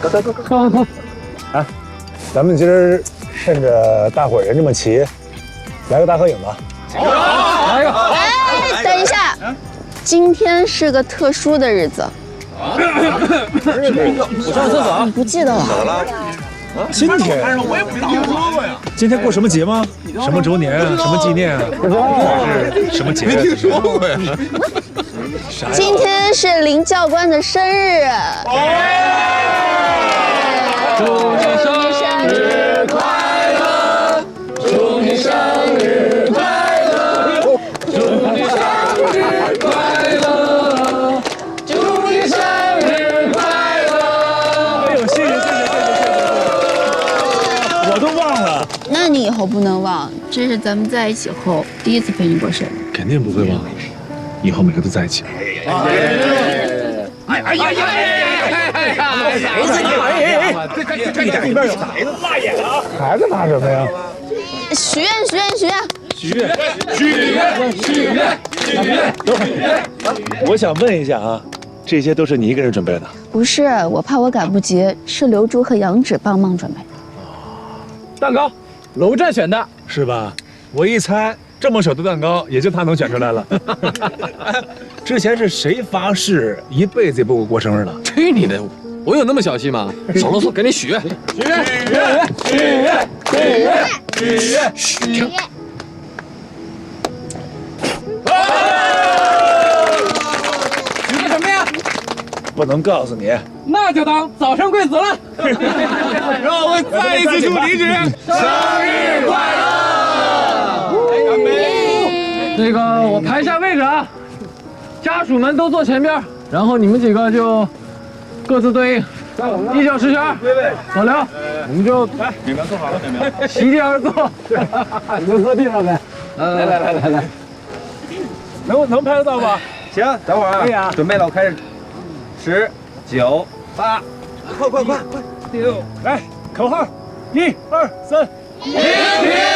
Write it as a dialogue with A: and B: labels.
A: 走。哎，咱们今儿趁着大伙人这么齐，来个大合影吧。
B: 来一个。
C: 哎，等一下，今天是个特殊的日子。
B: 我上厕所。
C: 你不记得了？
D: 怎么了？
A: 今天
D: 我也不听说过呀。
A: 今天过什么节吗？什么周年啊？什么纪念啊？是什么节？
D: 没听说过呀。
C: 今天是林教官的生日。
B: 祝你生日快乐！祝你生日快乐！祝你生日快乐！祝你生日快乐！
A: 哎呦，谢谢！我都忘了。
C: 那你以后不能忘，这是咱们在一起后第一次陪你过生日。
A: 肯定不会忘，以后每个都在一起。这一边有孩子，辣眼了啊！孩子拿什么呀？
C: 许愿。
A: 等会儿，我想问一下啊，这些都是你一个人准备的？
C: 不是，我怕我赶不及，是刘珠和杨芷帮忙准备。
B: 蛋糕，楼站选的，
A: 是吧？我一猜，这么小的蛋糕，也就他能选出来了。之前是谁发誓一辈子也不过生日的？
B: 去你的！我有那么小气吗？少啰嗦，赶紧许愿！
C: 许愿。
B: 许个什么呀？
A: 不能告诉你。
B: 那就当早生贵子了。
D: 让我们再一次祝李芷生日快乐！干杯！
B: 那个，我排一下位置啊，家属们都坐前边，然后你们几个就各自对应。一九十全，老刘，我们就来，你们坐好了，席地而坐，你就坐地上呗。来，
A: 能拍得到吧？
E: 行，等会儿啊，可以啊，准备了，我开始，10、9、8，
D: 快！
A: 6，来，口号，1、2、3，
B: 平平